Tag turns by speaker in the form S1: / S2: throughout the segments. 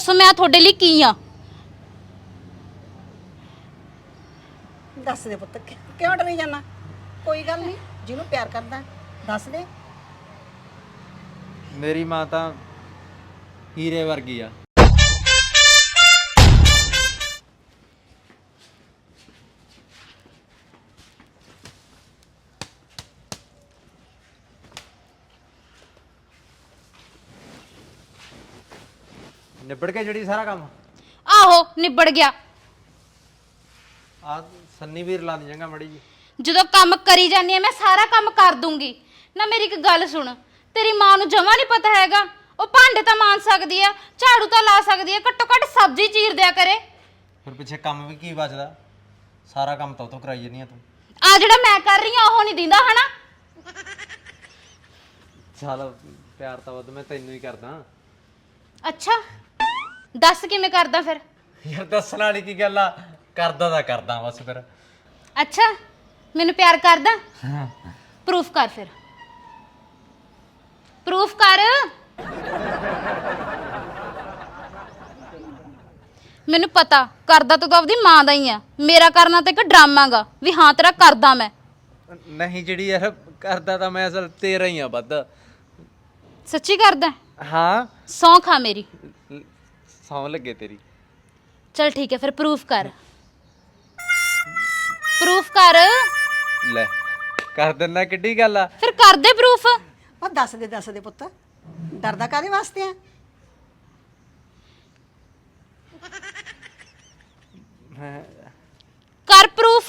S1: ਸੋ ਮੈਂ ਤੁਹਾਡੇ ਲਈ ਕੀ ਆ?
S2: ਦੱਸ ਦੇ ਪੁੱਤ ਕਿਉਂ ਡਰੀ ਜਾਣਾ? ਕੋਈ ਗੱਲ ਨਹੀਂ, ਜਿਹਨੂੰ ਪਿਆਰ ਕਰਦਾ ਦੱਸ ਦੇ।
S3: ਮੇਰੀ ਮਾਂ ਤਾਂ ਹੀਰੇ ਵਰਗੀ ਆ। ਨਿਬੜ ਕੇ ਜਿਹੜੀ ਸਾਰਾ ਕੰਮ
S1: ਆਹੋ ਨਿਬੜ ਗਿਆ।
S3: ਆ ਸੰਨੀ ਵੀਰ ਲਾ ਦੀ ਜਾਂਗਾ ਮੜੀ ਜੀ।
S1: ਜਦੋਂ ਕੰਮ ਕਰੀ ਜਾਂਦੀ ਆ ਮੈਂ ਸਾਰਾ ਕੰਮ ਕਰ ਦੂੰਗੀ ਨਾ। ਮੇਰੀ ਇੱਕ ਗੱਲ ਸੁਣ, ਤੇਰੀ ਮਾਂ ਨੂੰ ਜਮਾ ਨਹੀਂ ਪਤਾ ਹੈਗਾ। ਉਹ ਭਾਂਡੇ ਤਾਂ ਮਾਂਜ ਸਕਦੀ ਆ, ਝਾੜੂ ਤਾਂ ਲਾ ਸਕਦੀ ਆ, ਘੱਟੋ ਘੱਟ ਸਬਜ਼ੀ ਚੀਰ ਦਿਆ ਕਰੇ।
S3: ਫਿਰ ਪਿੱਛੇ ਕੰਮ ਵੀ ਕੀ ਬਚਦਾ? ਸਾਰਾ ਕੰਮ ਤਾਂ ਉਤੋਂ ਕਰਾਈ ਜਾਂਦੀ ਆ ਤੂੰ।
S1: ਆ ਜਿਹੜਾ ਮੈਂ ਕਰ ਰਹੀ ਆ ਉਹ ਨਹੀਂ ਦਿੰਦਾ ਹਨਾ।
S3: ਚੱਲ ਪਿਆਰ ਤਾਂ ਵੱਧ ਮੈਂ ਤੈਨੂੰ ਹੀ ਕਰਦਾ।
S1: ਅੱਛਾ ਦੱਸ ਕਿਵੇਂ ਕਰਦਾ ਫਿਰ?
S3: ਯਾਰ ਦੱਸਣ ਵਾਲੀ ਕੀ ਗੱਲ ਆ, ਕਰਦਾ ਤਾਂ ਕਰਦਾ ਬਸ ਫਿਰ।
S1: ਅੱਛਾ ਮੈਨੂੰ ਪਿਆਰ ਕਰਦਾ? ਪ੍ਰੂਫ ਕਰ ਫਿਰ, ਪ੍ਰੂਫ ਕਰ। ਮੈਨੂੰ ਪਤਾ ਕਰਦਾ ਤੂੰ ਆਪਦੀ ਮਾਂ ਦਾ ਹੀ ਆ। ਮੇਰਾ ਕਰਨਾ ਤਾਂ ਇੱਕ ਡਰਾਮਾ ਗਾ ਵੀ ਹਾਂ ਤੇਰਾ ਕਰਦਾ ਮੈਂ।
S3: ਨਹੀਂ ਜਿਹੜੀ ਯਾਰ ਕਰਦਾ ਤਾਂ ਮੈਂ ਅਸਲ ਤੇਰਾ ਹੀ ਆ ਵੱਧ।
S1: ਸੱਚੀ ਕਰਦਾ?
S3: ਹਾਂ
S1: ਸੌਂ ਖਾ ਮੇਰੀ।
S3: ਸੌਂ ਲੱਗੇ ਤੇਰੀ।
S1: ਚਲ ਠੀਕ ਹੈ ਫਿਰ ਪ੍ਰੂਫ ਕਰ, ਪ੍ਰੂਫ ਕਰ।
S3: ਲੈ ਕਰ ਦਿੰਦਾ, ਕਿੱਡੀ ਗੱਲ ਆ।
S1: ਫਿਰ ਕਰ ਦੇ ਪ੍ਰੂਫ।
S2: ਉਹ ਦੱਸ ਦੇ ਪੁੱਤ, ਡਰਦਾ ਕਾਹਦੇ ਵਾਸਤੇ ਆ?
S1: ਕਰ ਪ੍ਰੂਫ।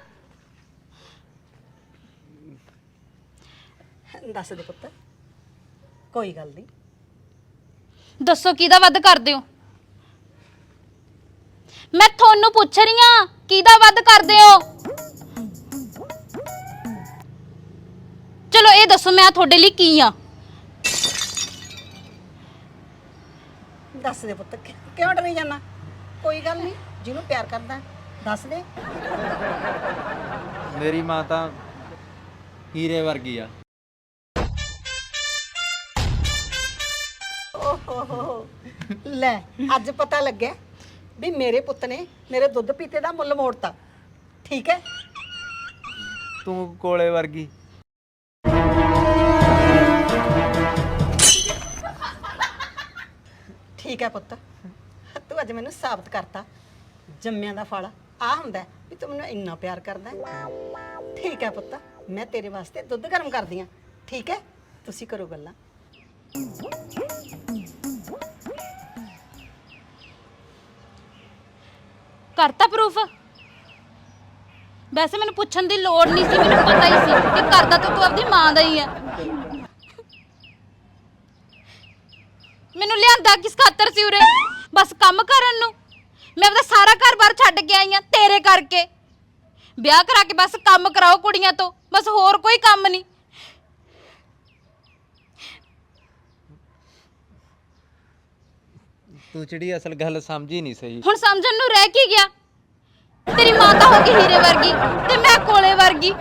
S2: ਦੱਸ ਦੇ ਪੁੱਤ, ਕੋਈ ਗੱਲ ਨਹੀਂ।
S1: ਦੱਸੋ ਕਿਹਦਾ ਵੱਧ ਕਰਦੇ ਹੋ? ਮੈਂ ਤੁਹਾਨੂੰ ਪੁੱਛ ਰਹੀ ਹਾਂ ਕਿਹਦਾ ਵੱਧ ਕਰਦੇ ਹੋ? ਚਲੋ ਇਹ ਦੱਸੋ ਮੈਂ ਤੁਹਾਡੇ ਲਈ ਕੀ ਆ?
S2: ਦੱਸ ਦੇ ਪੁੱਤ ਕਿਉਂ ਡਰੀ ਜਾਣਾ? ਕੋਈ ਗੱਲ ਨਹੀਂ, ਜਿਹਨੂੰ ਪਿਆਰ ਕਰਦਾ ਦੱਸ ਦੇ।
S3: ਮੇਰੀ ਮਾਂ ਤਾਂ ਹੀਰੇ ਵਰਗੀ ਆ।
S2: ਓਹੋ ਲੈ, ਅੱਜ ਪਤਾ ਲੱਗਿਆ ਵੀ ਮੇਰੇ ਪੁੱਤ ਨੇ ਮੇਰੇ ਦੁੱਧ ਪੀਤੇ ਦਾ ਮੁੱਲ ਮੋੜਤਾ। ਠੀਕ ਹੈ,
S3: ਤੂੰ ਕੋਲੇ ਵਰਗੀ।
S2: ਠੀਕ ਹੈ ਪੁੱਤ, ਤੂੰ ਅੱਜ ਮੈਨੂੰ ਸਾਬਤ ਕਰਤਾ ਜੰਮਿਆਂ ਦਾ ਫਲ ਆ ਹੁੰਦਾ ਵੀ ਤੂੰ ਮੈਨੂੰ ਇੰਨਾ ਪਿਆਰ ਕਰਦਾ ਹੈ। ਠੀਕ ਹੈ ਪੁੱਤ, ਮੈਂ ਤੇਰੇ ਵਾਸਤੇ ਦੁੱਧ ਗਰਮ ਕਰਦੀ ਆ। ਠੀਕ ਹੈ, ਤੁਸੀਂ ਕਰੋ ਗੱਲਾਂ।
S1: ਕਰਤਾ ਪ੍ਰੂਫ? ਵੈਸੇ ਮੈਨੂੰ ਪੁੱਛਣ ਦੀ ਲੋੜ ਨਹੀਂ ਸੀ, ਮੈਨੂੰ ਪਤਾ ਹੀ ਸੀ ਕਿ ਕਰਦਾ ਤਾਂ ਤੂੰ ਆਪਦੀ ਮਾਂ ਦਾ ਹੀ ਆ। ਮੈਨੂੰ ਲਿਆਂਦਾ ਕਿਸ ਖਾਤਰ ਸੀ ਉਰੇ? ਬਸ ਕੰਮ ਕਰਨ ਨੂੰ? ਮੈਂ ਆਪਦਾ ਸਾਰਾ ਘਰ-ਬਾਰ ਛੱਡ ਕੇ ਆਈ ਆ ਤੇਰੇ ਕਰਕੇ। ਵਿਆਹ ਕਰਾ ਕੇ ਬਸ ਕੰਮ ਕਰਾਓ ਕੁੜੀਆਂ ਤੋਂ, ਬਸ ਹੋਰ ਕੋਈ ਕੰਮ ਨਹੀਂ।
S3: ਤੂੰ ਜਿਹੜੀ ਅਸਲ ਗੱਲ ਸਮਝੀ ਨਹੀਂ ਸਹੀ।
S1: ਹੁਣ ਸਮਝਣ ਨੂੰ ਰਹਿ ਕੀ ਗਿਆ? ਤੇਰੀ ਮਾਂ ਤਾਂ ਹੋ ਗਈ ਹੀਰੇ ਵਰਗੀ ਤੇ ਮੈਂ ਕੋਲੇ ਵਰਗੀ।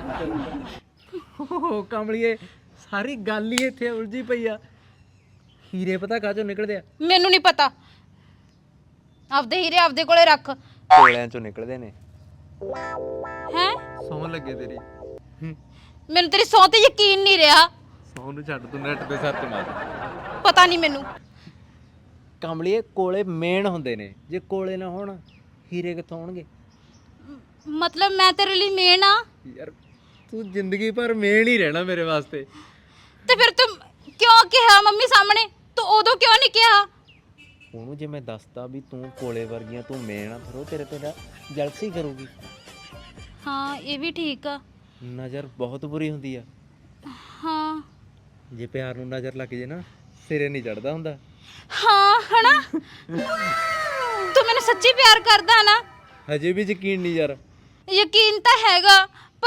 S3: ਓ ਕਮਲੀਏ, ਸਾਰੀ ਗੱਲ ਹੀ ਇੱਥੇ ਉਲਝੀ ਪਈ ਆ। ਹੀਰੇ ਪਤਾ ਕਾਹਚੋਂ ਨਿਕਲਦੇ ਆ?
S1: ਮੈਨੂੰ ਨਹੀਂ ਪਤਾ। ਆਪਦੇ ਹੀਰੇ ਆਪਦੇ ਕੋਲੇ ਰੱਖ।
S3: ਕੋਲਿਆਂ ਚੋਂ ਨਿਕਲਦੇ ਨੇ।
S1: ਹੈ
S3: ਸੌਂ ਲੱਗੇ ਤੇਰੀ।
S1: ਮੈਨੂੰ ਤੇਰੀ ਸਹੁੰ ਤੇ ਯਕੀਨ ਨਹੀਂ ਰਿਹਾ।
S3: ਸੌਂ ਨੂੰ ਛੱਡ, ਤੂੰ ਨੈਟ ਤੇ ਸਰਚ ਮਾਰ।
S1: ਪਤਾ ਨਹੀਂ ਮੈਨੂੰ।
S3: ਕਮਲੀਏ ਕੋਲੇ ਮੇਨ ਹੁੰਦੇ ਨੇ, ਜੇ ਕੋਲੇ ਨਾ ਹੋਣ ਹੀਰੇ ਕਿੱਥੋਂ ਹੋਣਗੇ?
S1: ਮਤਲਬ ਮੈਂ ਤੇਰੇ ਲਈ ਮੇਨ ਆ?
S3: ਯਾਰ ਤੂੰ ਜ਼ਿੰਦਗੀ ਭਰ ਮੇਨ ਹੀ ਰਹਿਣਾ ਮੇਰੇ ਵਾਸਤੇ।
S1: ਤੇ ਫਿਰ ਤੂੰ ਕਿਉਂ ਕਿਹਾ ਮੰਮੀ ਸਾਹਮਣੇ? ਤੂੰ ਉਦੋਂ ਕਿਉਂ ਨਹੀਂ ਕਿਹਾ?
S3: ਉਹਨੂੰ ਜੇ ਮੈਂ ਦੱਸਦਾ ਵੀ ਤੂੰ ਕੋਲੇ ਵਰਗੀਆਂ, ਤੂੰ ਮੇਨ ਆ, ਫਿਰ ਉਹ ਤੇਰੇ ਤੇ ਜਲਸੀ ਕਰੂਗੀ।
S1: ਹਾਂ ਇਹ ਵੀ ਠੀਕ ਆ।
S3: ਨਜ਼ਰ ਬਹੁਤ ਬੁਰੀ ਹੁੰਦੀ ਆ।
S1: ਹਾਂ
S3: ਜੇ ਪਿਆਰ ਨੂੰ ਨਜ਼ਰ ਲੱਗ ਜੇ ਨਾ, ਸਿਰੇ ਨਹੀਂ ਚੜਦਾ ਹੁੰਦਾ।
S1: ਹਾਂ ਹਨਾ? ਤੂੰ ਮੈਨੂੰ ਸੱਚੀ ਪਿਆਰ ਕਰਦਾ ਨਾ?
S3: ਹਜੇ ਵੀ ਯਕੀਨ ਨਹੀਂ ਯਾਰ।
S1: ਯਕੀਨ ਤਾਂ ਹੈਗਾ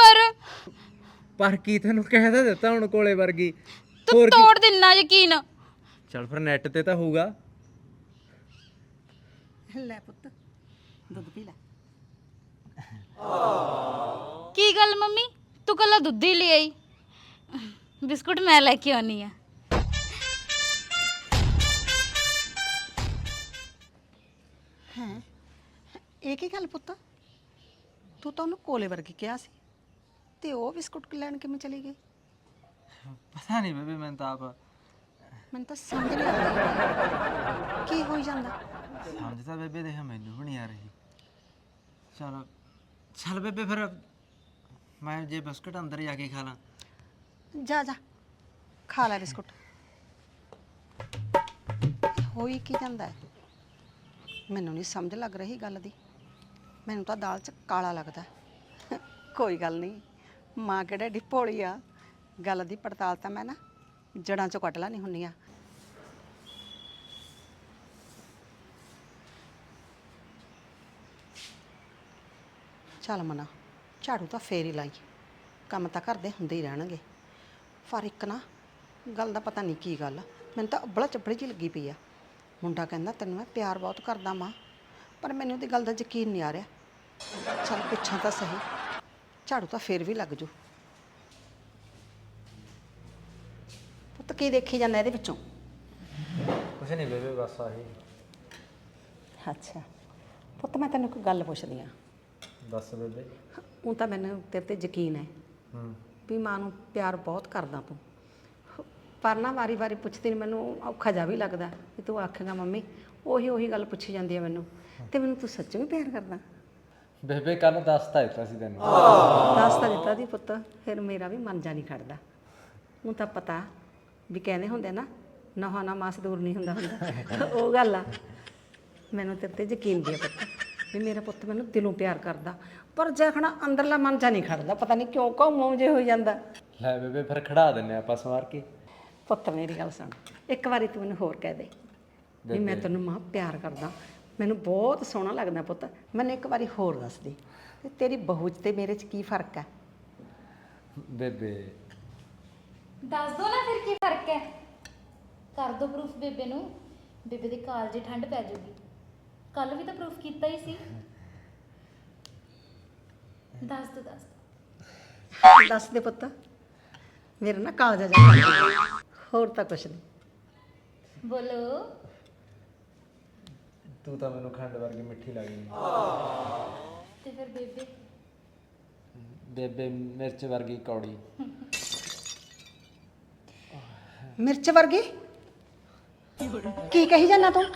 S1: ਪਰ
S3: ਕੀ ਤੈਨੂੰ ਕਹਿਦਾ ਦਿੱਤਾ ਹੁਣ ਕੋਲੇ ਵਰਗੀ?
S1: ਤੂੰ ਤੋੜ ਦਿੰਨਾ ਯਕੀਨ।
S3: ਚੱਲ ਫਿਰ ਨੈਟ ਤੇ ਤਾਂ ਹੋਊਗਾ।
S2: ਲੈ ਪੁੱਤ ਦੁੱਧ ਪੀ ਲੈ।
S1: ਕੀ ਗੱਲ ਮੰਮੀ, ਤੂੰ ਕੱਲਾ ਦੁੱਧ ਹੀ ਲੈ ਆਈ? ਬਿਸਕੁਟ ਮੈਂ ਲੈ ਕੇ ਆਉਣੀ ਆ।
S2: ਹੈ ਇਹ ਕੀ ਗੱਲ ਪੁੱਤ, ਤੂੰ ਤਾਂ ਉਹਨੂੰ ਕੋਲੇ ਵਰਗੀ ਕਿਹਾ ਸੀ ਤੇ ਉਹ ਬਿਸਕੁਟ ਲੈਣ ਕਿਵੇਂ ਚਲੀ ਗਈ?
S3: ਪਤਾ ਨਹੀਂ ਬੇਬੇ, ਮੈਂ ਤਾਂ ਆਪ
S2: ਮੈਨੂੰ ਤਾਂ ਸਮਝ ਨਹੀਂ ਆ ਰਹੀ ਕੀ ਹੋਈ ਜਾਂਦਾ।
S3: ਸਮਝ ਤਾਂ ਬੇਬੇ ਦੇਖ ਮੈਨੂੰ ਵੀ ਨਹੀਂ ਆ ਰਹੀ। ਚਲ ਚੱਲ ਬੇਬੇ ਫਿਰ ਮੈਂ ਜੇ ਬਿਸਕੁਟ ਅੰਦਰ ਜਾ ਕੇ ਖਾ ਲਾਂ।
S2: ਜਾ ਜਾ ਖਾ ਲੈ ਬਿਸਕੁਟ। ਹੋਈ ਕੀ ਜਾਂਦਾ ਹੈ? ਮੈਨੂੰ ਨਹੀਂ ਸਮਝ ਲੱਗ ਰਹੀ ਗੱਲ ਦੀ। ਮੈਨੂੰ ਤਾਂ ਦਾਲ 'ਚ ਕਾਲਾ ਲੱਗਦਾ। ਕੋਈ ਗੱਲ ਨਹੀਂ, ਮਾਂ ਕਿਹੜਾ ਏਡੀ ਭੋਲੀ ਆ, ਗੱਲ ਦੀ ਪੜਤਾਲ ਤਾਂ ਮੈਂ ਨਾ ਜੜਾਂ 'ਚੋਂ ਕੱਢ ਲੈਣੀ ਹੁੰਦੀ ਆ। ਚੱਲ ਮਨਾ, ਝਾੜੂ ਤਾਂ ਫੇਰ ਹੀ ਲਾਈ, ਕੰਮ ਤਾਂ ਘਰ ਦੇ ਹੁੰਦੇ ਹੀ ਰਹਿਣਗੇ। ਪਰ ਇੱਕ ਨਾ ਗੱਲ ਦਾ ਪਤਾ ਨਹੀਂ ਕੀ ਗੱਲ, ਮੈਨੂੰ ਤਾਂ ਅੱਬਲਾ ਚੱਬੜੀ ਜਿਹੀ ਲੱਗੀ ਪਈ ਆ। ਮੁੰਡਾ ਕਹਿੰਦਾ ਤੈਨੂੰ ਮੈਂ ਪਿਆਰ ਬਹੁਤ ਕਰਦਾ ਮਾਂ, ਪਰ ਮੈਨੂੰ ਉਹਦੀ ਗੱਲ ਦਾ ਯਕੀਨ ਨਹੀਂ ਆ ਰਿਹਾ। ਚੱਲ ਪੁੱਛਾਂ ਤਾਂ ਸਹੀ, ਝਾੜੂ ਤਾਂ ਫੇਰ ਵੀ ਲੱਗ ਜੂ। ਪੁੱਤ ਕੀ ਦੇਖੀ ਜਾਂਦਾ ਇਹਦੇ ਵਿੱਚੋਂ?
S3: ਕੁਛ ਨਹੀਂ ਬੇਬੇ, ਬਸ ਆਹੀ।
S2: ਅੱਛਾ ਪੁੱਤ, ਮੈਂ ਤੈਨੂੰ ਇੱਕ ਗੱਲ ਪੁੱਛਦੀ ਆ।
S3: ਦੱਸ ਬੇਬੇ।
S2: ਉਹ ਤਾਂ ਮੈਨੂੰ ਤੇਰੇ ਤੇ ਯਕੀਨ ਹੈ ਵੀ ਮਾਂ ਨੂੰ ਪਿਆਰ ਬਹੁਤ ਕਰਦਾ ਤੂੰ, ਪਰ ਨਾ ਵਾਰੀ ਪੁੱਛਦੀ ਨੂੰ ਮੈਨੂੰ ਔਖਾ ਜਿਹਾ ਵੀ ਲੱਗਦਾ ਵੀ ਤੂੰ ਆਖੇਗਾ ਮੰਮੀ ਉਹੀ ਗੱਲ ਪੁੱਛੀ ਜਾਂਦੀ ਹੈ ਮੈਨੂੰ, ਤੇ ਮੈਨੂੰ ਤੂੰ ਸੱਚੋਂ ਵੀ ਪਿਆਰ ਕਰਦਾ?
S3: ਬੇਬੇ ਕੱਲ ਦੱਸਤਾ ਦਿੱਤਾ ਸੀ ਤੈਨੂੰ।
S2: ਦੱਸ ਤਾਂ ਦਿੱਤਾ ਦੀ ਪੁੱਤ, ਫਿਰ ਮੇਰਾ ਵੀ ਮਨ ਜਾ ਨਹੀਂ ਖੜਦਾ। ਹੁਣ ਤਾਂ ਪਤਾ ਵੀ ਕਹਿੰਦੇ ਹੁੰਦੇ ਨਾ, ਨਹਾ ਨਾ ਮਾਸ ਦੂਰ ਨਹੀਂ ਹੁੰਦਾ ਉਹ ਗੱਲ ਆ। ਮੈਨੂੰ ਤੇਰੇ ਤੇ ਯਕੀਨ ਵੀ ਆ ਪੁੱਤ ਵੀ ਮੇਰਾ ਪੁੱਤ ਮੈਨੂੰ ਦਿਲੋਂ ਪਿਆਰ ਕਰਦਾ, ਪਰ ਜਖਣਾ ਅੰਦਰਲਾ ਮਨ ਜਾ ਨਹੀਂ ਖੜਦਾ, ਪਤਾ ਨਹੀਂ ਕਿਉਂ ਘੁੰਮ ਜੇ ਹੋ ਜਾਂਦਾ।
S3: ਲੈ ਬੇਬੇ ਫਿਰ ਖੜਾ ਦਿੰਨੇ ਆਪਾਂ ਸਵਾਰ ਕੇ।
S2: ਪੁੱਤ ਮੇਰੀ ਗੱਲ ਸੁਣ, ਇੱਕ ਵਾਰੀ ਤੂੰ ਮੈਨੂੰ ਹੋਰ ਕਹਿ ਦੇ ਵੀ ਮੈਂ ਤੈਨੂੰ ਮਾਂ ਪਿਆਰ ਕਰਦਾ, ਮੈਨੂੰ ਬਹੁਤ ਸੋਹਣਾ ਲੱਗਦਾ ਪੁੱਤ। ਮੈਨੂੰ ਇੱਕ ਵਾਰੀ ਹੋਰ ਦੱਸ ਦੇ ਤੇ ਤੇਰੀ ਬਹੂ 'ਚ ਤੇ ਮੇਰੇ 'ਚ ਕੀ ਫਰਕ ਹੈ?
S3: ਬੇਬੇ
S1: ਦੱਸ ਦੋ ਨਾ ਫਿਰ ਕੀ ਫਰਕ ਹੈ। ਕਰ ਦੋ ਪ੍ਰੂਫ ਬੇਬੇ ਨੂੰ, ਬੇਬੇ ਦੇ ਕਾਲਜੇ ਠੰਡ ਪੈ ਜਾਊਗੀ। ਕੱਲ ਵੀ ਤਾਂ ਪ੍ਰੂਫ ਕੀਤਾ ਹੀ ਸੀ। ਦੱਸ ਦੋ
S2: ਦੱਸ ਦੇ ਪੁੱਤ, ਮੇਰੇ ਨਾਲ ਕਾਲਜਾ ਜਾ, ਹੋਰ ਤਾਂ ਕੁਛ ਨਹੀਂ।
S1: ਬੋਲੋ।
S3: ਤੂੰ ਤਾਂ ਮੈਨੂੰ ਖੰਡ ਵਰਗੀ ਮਿੱਠੀ ਲੱਗਦੀ।
S1: ਤੇ ਫਿਰ ਬੇਬੇ?
S3: ਬੇਬੇ ਮਿਰਚ ਵਰਗੀ ਕੌੜੀ।
S2: ਮਿਰਚ ਵਰਗੀ ਕੀ ਕਹੀ ਜਾਂਦਾ ਤੂੰ?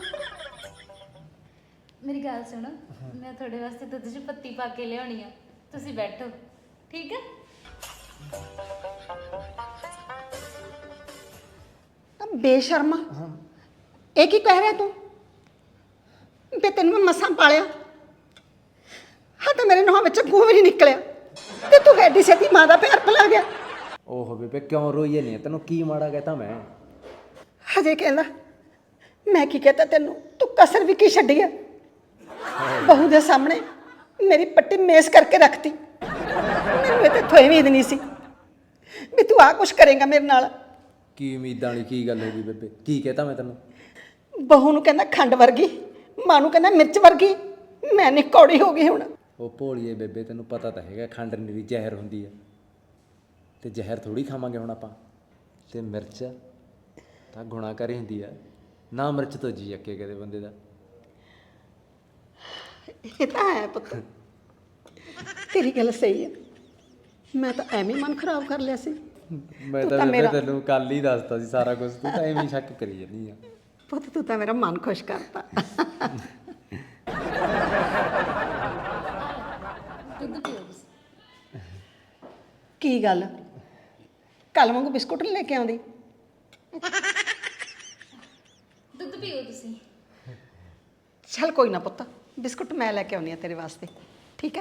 S1: ਮੇਰੀ ਗੱਲ ਸੁਣੋ, ਮੈਂ ਤੁਹਾਡੇ ਵਾਸਤੇ ਦੁੱਧ 'ਚ ਪੱਤੀ ਪਾ ਕੇ ਲਿਆਉਣੀ ਆ, ਤੁਸੀਂ ਬੈਠੋ, ਠੀਕ ਹੈ?
S2: ਬੇਸ਼ਰਮਾ, ਇਹ ਕੀ ਕਹਿ ਰਿਹਾ ਤੂੰ? ਤੇ ਤੈਨੂੰ ਮੈਂ ਮਸਾਂ ਪਾਲਿਆ, ਹਾਂ ਤਾਂ ਮੇਰੇ ਨੋਹਾਂ ਵਿੱਚ ਗੂੰ ਵੀ ਨਹੀਂ ਨਿਕਲਿਆ ਤੇ ਤੂੰ ਐਡੀ ਛੇਤੀ ਮਾਂ ਦਾ ਪਿਆਰ ਭੁਲਾ ਗਿਆ।
S3: ਓਹੋ ਬੇਬੇ ਕਿਉਂ ਰੋਈਏ ਨਹੀਂ, ਤੈਨੂੰ ਕੀ ਮਾੜਾ ਕਹਤਾ ਮੈਂ?
S2: ਹਜੇ ਕਹਿੰਦਾ ਮੈਂ ਕੀ ਕਹਤਾ ਤੈਨੂੰ, ਤੂੰ ਕਸਰ ਵੀ ਕੀ ਛੱਡੀ ਆ? ਬਹੂ ਦੇ ਸਾਹਮਣੇ ਮੇਰੀ ਪੱਟੀ ਮੇਸ ਕਰਕੇ ਰੱਖਤੀ। ਮੈਨੂੰ ਇਹ ਤੇ ਥੋੜੀ ਉਮੀਦ ਨਹੀਂ ਸੀ ਵੀ ਤੂੰ ਆਹ ਕੁਛ ਕਰੇਗਾ ਮੇਰੇ ਨਾਲ।
S3: ਕੀ ਉਮੀਦਾਂ ਵਾਲੀ ਕੀ ਗੱਲ ਹੋ ਗਈ ਬੇਬੇ? ਕੀ ਕਹਤਾ ਮੈਂ ਤੈਨੂੰ?
S2: ਬਹੂ ਨੂੰ ਕਹਿੰਦਾ ਖੰਡ ਵਰਗੀ, ਮਾਂ ਨੂੰ ਕਹਿੰਦਾ ਮਿਰਚ ਵਰਗੀ। ਮੈਂ ਨੀ ਕੌੜੀ ਹੋ ਗਈ ਹੁਣ।
S3: ਉਹ ਭੋਲੀਏ ਬੇਬੇ, ਤੈਨੂੰ ਪਤਾ ਤਾਂ ਹੈਗਾ ਖੰਡ ਨਿਰੀ ਜ਼ਹਿਰ ਹੁੰਦੀ ਆ, ਤੇ ਜ਼ਹਿਰ ਥੋੜੀ ਖਾਵਾਂਗੇ ਹੁਣ ਆਪਾਂ। ਤੇ ਮਿਰਚ ਤਾਂ ਗੁਣਾਕਾਰੀ ਹੁੰਦੀ ਆ, ਨਾ ਮਿਰਚ ਤੋਂ ਜੀ ਅੱਕੇ ਕਦੇ ਬੰਦੇ ਦਾ।
S2: ਇਹ ਤਾਂ ਹੈ ਪੁੱਤ, ਤੇਰੀ ਗੱਲ ਸਹੀ ਹੈ। ਮੈਂ ਤਾਂ ਐਵੇਂ ਮਨ ਖਰਾਬ ਕਰ ਲਿਆ ਸੀ।
S3: ਮੈਂ ਤਾਂ ਬੇਬੇ ਤੈਨੂੰ ਕੱਲ ਹੀ ਦੱਸਤਾ ਸੀ ਸਾਰਾ ਕੁਝ, ਤੂੰ ਤਾਂ ਐਵੇਂ ਹੀ ਸ਼ੱਕ ਕਰੀ ਜਾਂਦੀ ਆ।
S2: ਪੁੱਤ ਤੂੰ ਤਾਂ ਮੇਰਾ ਮਨ ਖੁਸ਼ ਕਰਤਾ।
S1: ਦੁੱਧ ਪੀਓ ਤੁਸੀਂ।
S2: ਕੀ ਗੱਲ, ਕੱਲ ਵਾਂਗੂ ਬਿਸਕੁਟ ਨਹੀਂ ਲੈ ਕੇ ਆਉਂਦੀ?
S1: ਦੁੱਧ ਪੀਓ ਤੁਸੀਂ।
S2: ਚੱਲ ਕੋਈ ਨਾ ਪੁੱਤ, ਬਿਸਕੁਟ ਮੈਂ ਲੈ ਕੇ ਆਉਣੀ ਆ ਤੇਰੇ ਵਾਸਤੇ, ਠੀਕ ਹੈ?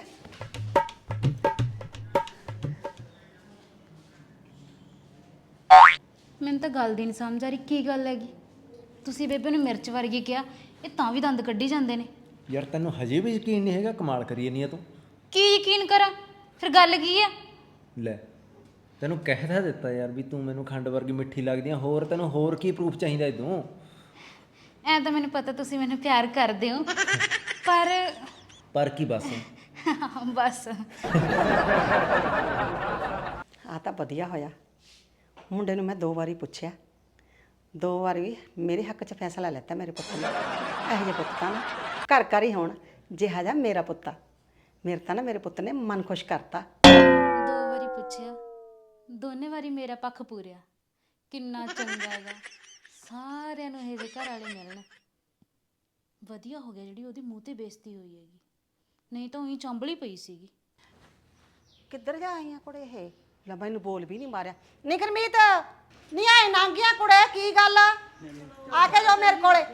S1: ਮੈਨੂੰ ਤਾਂ ਗੱਲ ਦੀ ਨਹੀਂ ਸਮਝ ਆ ਰਹੀ, ਕੀ ਗੱਲ ਹੈਗੀ? ਤੁਸੀਂ ਬੇਬੇ ਨੂੰ ਮਿਰਚ ਵਰਗੀ ਕਿਹਾ, ਇਹ ਤਾਂ ਵੀ ਦੰਦ ਕੱਢੀ ਜਾਂਦੇ ਨੇ।
S3: ਯਾਰ ਤੈਨੂੰ ਹਜੇ ਵੀ ਯਕੀਨ ਨਹੀਂ ਹੈਗਾ? ਕਮਾਲ ਕਰੀ ਨਹੀਂ ਆ ਤੂੰ।
S1: ਕੀ ਯਕੀਨ ਕਰਾਂ, ਫਿਰ ਗੱਲ ਕੀ ਆ?
S3: ਲੈ ਤੈਨੂੰ ਕਹਿ ਤਾਂ ਦਿੱਤਾ ਯਾਰ ਵੀ ਤੂੰ ਮੈਨੂੰ ਖੰਡ ਵਰਗੀ ਮਿੱਠੀ ਲੱਗਦੀ ਆ, ਹੋਰ ਤੈਨੂੰ ਹੋਰ ਕੀ ਪ੍ਰੂਫ ਚਾਹੀਦਾ ਇਦੋਂ?
S1: ਐ ਤਾਂ ਮੈਨੂੰ ਪਤਾ ਤੁਸੀਂ ਮੈਨੂੰ ਪਿਆਰ ਕਰਦੇ ਹੋ, ਪਰ
S3: ਕੀ ਬਸ?
S1: ਬਸ
S2: ਆ ਤਾਂ ਵਧੀਆ ਹੋਇਆ, ਮੁੰਡੇ ਨੂੰ ਮੈਂ 2 ਵਾਰੀ ਪੁੱਛਿਆ, 2 ਵਾਰੀ ਮੇਰੇ ਹੱਕ 'ਚ ਫੈਸਲਾ ਲੈਤਾ ਮੇਰੇ ਪੁੱਤ ਨੇ। ਇਹੋ ਜਿਹੇ ਪੁੱਤ ਤਾਂ ਨਾ ਘਰ ਘਰ ਹੀ ਹੋਣ ਜਿਹਾ ਜਾ ਮੇਰਾ ਪੁੱਤ ਆ। ਮੇਰੇ ਤਾਂ ਨਾ ਮੇਰੇ ਪੁੱਤ ਨੇ ਮਨ ਖੁਸ਼ ਕਰਤਾ।
S1: 2 ਵਾਰੀ ਪੁੱਛਿਆ, ਦੋਨੇ ਵਾਰੀ ਮੇਰਾ ਪੱਖ ਪੂਰਿਆ। ਕਿੰਨਾ ਚੰਗਾ ਹੈਗਾ, ਸਾਰਿਆਂ ਨੂੰ ਇਹਦੇ ਘਰ ਵਾਲੇ ਮਿਲਣ। ਵਧੀਆ ਹੋ ਗਿਆ ਜਿਹੜੀ ਉਹਦੀ ਮੂੰਹ ਤੇ ਬੇਇੱਜ਼ਤੀ ਹੋਈ ਹੈਗੀ, ਨਹੀਂ ਤਾਂ ਉਹੀ ਚੰਬਲੀ ਪਈ ਸੀਗੀ।
S2: ਕਿੱਧਰ ਜਾ ਆਈਆਂ ਕੁੜੇ ਇਹ? ਲੈ ਮੈਨੂੰ ਬੋਲ ਵੀ ਨਹੀਂ ਮਾਰਿਆ। ਨਹੀਂ ਗੁਰਮੀਤ ਨਹੀਂ ਆਏ ਨਾਂਗੀਆਂ ਕੁੜੇ, ਕੀ ਗੱਲ ਆ ਕੇ ਜਾਓ ਮੇਰੇ ਕੋਲੇ।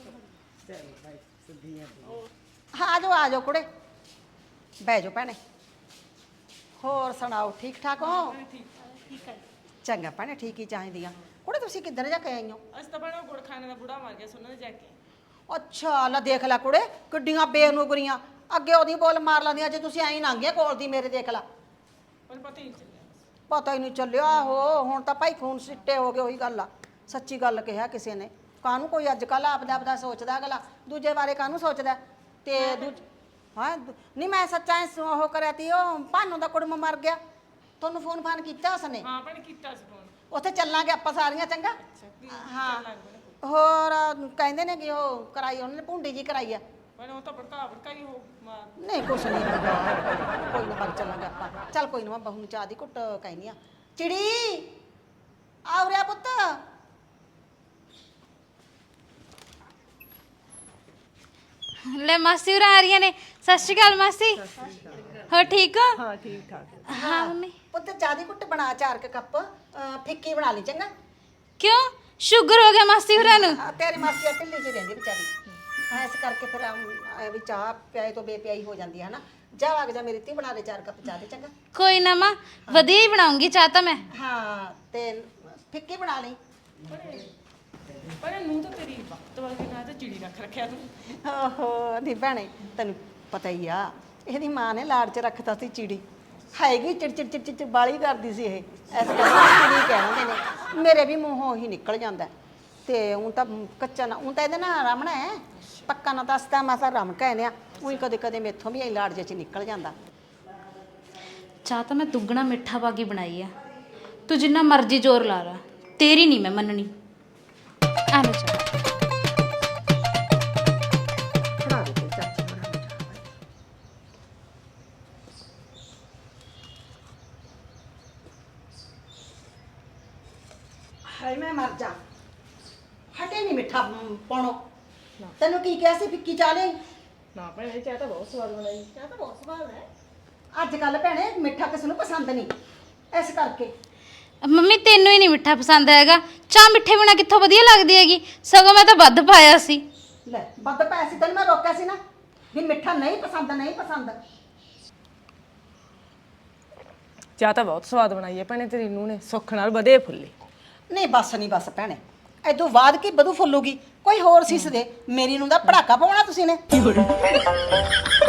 S2: ਹਾਂ ਆ ਜਾਓ ਕੁੜੇ, ਬਹਿ ਜਾਓ ਭੈਣੇ। ਹੋਰ ਸੁਣਾਓ, ਠੀਕ ਠਾਕ ਹੋ? ਚੰਗਾ ਭੈਣੇ, ਠੀਕ ਹੀ ਚਾਹੀਦੀਆਂ। ਕੁੜੇ ਤੁਸੀਂ ਕਿੱਧਰ ਜਾ ਕੇ ਆਈ ਹੋ?
S4: ਅਸੀਂ ਤਾਂ ਬਣਾ ਗੁੜ ਖਾਣੇ ਦਾ ਬੁੜਾ ਮਰ ਗਿਆ ਸੋਨਾ ਦੇ ਜਾ ਕੇ।
S2: ਅੱਛਾ ਲੈ ਦੇਖ ਲੈ ਕੁੜੇ, ਕਿੱਡੀਆਂ ਬੇਨੁਗਰੀਆਂ। ਅੱਗੇ ਉਹਦੀ ਬੋਲ ਮਾਰ ਲੈਂਦੀਆਂ, ਜੇ ਤੁਸੀਂ ਐਂ ਨਾਂਗੀਆਂ ਕੋਲ ਦੀ ਮੇਰੇ। ਦੇਖ ਲੈ,
S4: ਪਰ ਪਤਾ ਹੀ ਨਹੀਂ ਚੱਲਿਆ।
S2: ਪਤਾ ਹੀ ਨਹੀਂ ਚੱਲਿਆ। ਆਹੋ ਹੁਣ ਤਾਂ ਭਾਈ ਖੂਨ ਸਿੱਟੇ ਹੋ ਗਏ। ਉਹੀ ਗੱਲ ਆ, ਸੱਚੀ ਗੱਲ ਕਿਹਾ ਕਿਸੇ ਨੇ। ਕਾਹਨੂੰ ਕੋਈ ਅੱਜ ਕੱਲ੍ਹ ਆਪਦਾ ਸੋਚਦਾ ਅਗਲਾ, ਦੂਜੇ ਬਾਰੇ ਕਾਹਨੂੰ ਸੋਚਦਾ? ਤੇ ਹਾਂ ਨਹੀਂ ਮੈਂ ਸੱਚਾ ਉਹ ਕਰਿਆ ਤੀ, ਉਹ ਭਾਨੂ ਦਾ ਕੁੜਮ ਮਰ ਗਿਆ। ਤੁਹਾਨੂੰ ਫੋਨ ਫਾਨ ਕੀਤਾ ਉਸਨੇ?
S4: ਹਾਂ ਭੈਣ ਕੀਤਾ ਸੀ ਫੋਨ।
S2: ਉੱਥੇ ਚੱਲਾਂਗੇ ਆਪਾਂ ਸਾਰੀਆਂ, ਚੰਗਾ? ਹਾਂ ਹੋਰ ਕਹਿੰਦੇ ਨੇ ਕਿ ਉਹ ਕਰਾਈ ਉਹਨੇ ਭੁੰਡੀ ਜੀ ਕਰਾਈ ਆ।
S4: ਪਰ ਉਹ ਤਾਂ ਭੜਕਾ ਹੀ ਹੋ ਮਾਰ।
S2: ਨਹੀਂ ਕੁਛ ਨਹੀਂ ਹੁੰਦਾ, ਕੋਈ ਨਾ ਬਾਅਦ ਚੱਲਾਂਗੇ ਆਪਾਂ। ਚੱਲ ਕੋਈ ਨਾ, ਮੈਂ ਬਹੂ ਨੂੰ ਚਾਹ ਦੀ ਘੁੱਟ ਕਹਿੰਦੀ ਆ। ਚਿੜੀ ਆ ਰਿਹਾ ਪੁੱਤ।
S1: ਲੈ ਮਾਸੀ ਉਰਾਂ ਆ ਰਹੀਆਂ ਨੇ। ਸਤਿ ਸ਼੍ਰੀ ਅਕਾਲ ਮਾਸੀ, ਹੋ ਠੀਕ ਹੋ?
S4: ਹਾਂ ਠੀਕ ਠਾਕ।
S1: ਹਾਂ ਮੰਮੀ।
S2: ਪੁੱਤ ਚਾਹ ਦੀ ਘੁੱਟ ਬਣਾ, 4 ਕੱਪ ਫਿੱਕੀ ਬਣਾ ਲਈ, ਚੰਗਾ?
S1: ਕਿਉਂ, ਸ਼ੂਗਰ ਹੋ ਗਿਆ ਮਾਸੀ ਹੋਰਾਂ ਨੂੰ?
S2: ਤੇਰੀ ਮਾਸੀ ਢਿੱਲੀ ਜਿਹੀ ਰਹਿੰਦੀ ਵਿਚਾਰੀ, ਇਸ ਕਰਕੇ ਫਿਰ ਵੀ ਚਾਹ ਪਿਆਏ ਤੋਂ ਬੇਪਿਆਈ ਹੋ ਜਾਂਦੀ ਹੈ ਨਾ। ਜਾ ਵਗ ਜਾ ਮੇਰੀ ਧੀ, ਬਣਾ ਦੇ 4 ਕੱਪ ਚਾਹ ਦੇ, ਚੰਗਾ?
S1: ਕੋਈ ਨਾ ਮਾਂ, ਵਧੀਆ ਹੀ ਬਣਾਉਂਗੀ ਚਾਹ ਤਾਂ ਮੈਂ।
S2: ਹਾਂ ਤੇ ਫਿੱਕੀ ਬਣਾ ਲਈ।
S4: ਪਰ ਨੂੰ ਤਾਂ ਤੇਰੀ ਵਕਤ ਵਾਲੀ ਨਾ ਤਾਂ ਚਿੜੀ ਰੱਖ ਰੱਖਿਆ ਤੂੰ।
S2: ਓਹੋ ਨਹੀਂ ਭੈਣੇ, ਤੈਨੂੰ ਪਤਾ ਹੀ ਆ, ਇਹਦੀ ਮਾਂ ਨੇ ਲਾੜ 'ਚ ਰੱਖਤਾ ਸੀ ਚਿੜੀ। ਹੈਗੀ ਚਿੜ ਬਾਲੀ ਕਰਦੀ ਸੀ ਇਹ, ਇਸ ਕਰਕੇ ਚਿੜੀ ਕਹਿੰਦੇ ਨੇ। ਮੇਰੇ ਵੀ ਮੂੰਹੋਂ ਉਹੀ ਨਿਕਲ ਜਾਂਦਾ। ਤੇ ਹੁਣ ਤਾਂ ਕੱਚਾ ਨਾ, ਹੁਣ ਤਾਂ ਇਹਦੇ ਨਾਲ ਰਮਣਾ ਹੈ, ਪੱਕਾ ਨਾ ਦੱਸਦਾ ਮਾਸਾ ਰਮ ਕਹਿੰਦੇ ਆ। ਉਹੀ ਕਦੇ ਕਦੇ ਮੇਥੋਂ ਵੀ ਇਹ ਲਾੜ ਜੇ 'ਚ ਨਿਕਲ ਜਾਂਦਾ।
S1: ਚਾਹ ਤਾਂ ਮੈਂ ਦੁੱਗਣਾ ਮਿੱਠਾ ਪਾ ਕੇ ਬਣਾਈ ਆ। ਤੂੰ ਜਿੰਨਾ ਮਰਜ਼ੀ ਜ਼ੋਰ ਲਾ ਲਾ, ਤੇਰੀ ਨਹੀਂ ਮੈਂ ਮੰਨਣੀ। ਆ ਲੈ ਚਾਹ।
S2: ਹਾਏ ਮੈਂ ਮਰ ਜਾ, ਹਟੇ ਨਹੀਂ ਮਿੱਠਾ ਪਾਉਣੋ। ਤੈਨੂੰ ਕੀ ਕਿਹਾ ਸੀ ਫਿੱਕੀ ਚਾਹ ਲਈ?
S4: ਨਾ ਭੈਣ ਇਹ ਚਾਹ ਤਾਂ ਬਹੁਤ ਸਵਾਦ ਬਣਾਈ। ਚਾਹ ਤਾਂ ਬਹੁਤ ਸਵਾਦ ਹੈ।
S2: ਅੱਜ ਕੱਲ ਭੈਣੇ ਮਿੱਠਾ ਕਿਸੇ ਨੂੰ ਪਸੰਦ ਨਹੀਂ, ਇਸ ਕਰਕੇ।
S1: ਮੰਮੀ ਤੈਨੂੰ ਹੀ ਨਹੀਂ ਮਿੱਠਾ ਪਸੰਦ ਹੈਗਾ। ਚਾਹ ਮਿੱਠੇ ਬਿਨਾ ਕਿੱਥੋਂ ਵਧੀਆ ਲੱਗਦੀ ਹੈਗੀ, ਸਗੋਂ ਮੈਂ ਤਾਂ ਵੱਧ ਪਾਇਆ ਸੀ।
S2: ਲੈ ਵੱਧ ਪਾਇਆ ਸੀ, ਤੈਨੂੰ ਮੈਂ ਰੋਕਿਆ ਸੀ ਨਾ ਵੀ ਮਿੱਠਾ ਨਹੀਂ ਪਸੰਦ, ਨਹੀਂ ਪਸੰਦ।
S4: ਚਾਹ ਤਾਂ ਬਹੁਤ ਸਵਾਦ ਬਣਾਈ ਹੈ ਭੈਣੇ ਤੇਰੀ ਨੂੰ ਨੇ, ਸੁੱਖ ਨਾਲ ਵਧੇ ਫੁੱਲੇ।
S2: ਨਹੀਂ ਬਸ ਭੈਣੇ, ਐਦੋਂ ਬਾਅਦ ਕੀ ਵਧੂ ਫੁੱਲੂਗੀ? ਕੋਈ ਹੋਰ ਸੀਸ ਦੇ, ਮੇਰੀ ਨੂੰ ਦਾ ਪੜਾਕਾ ਪਾਉਣਾ ਤੁਸੀਂ ਨੇ।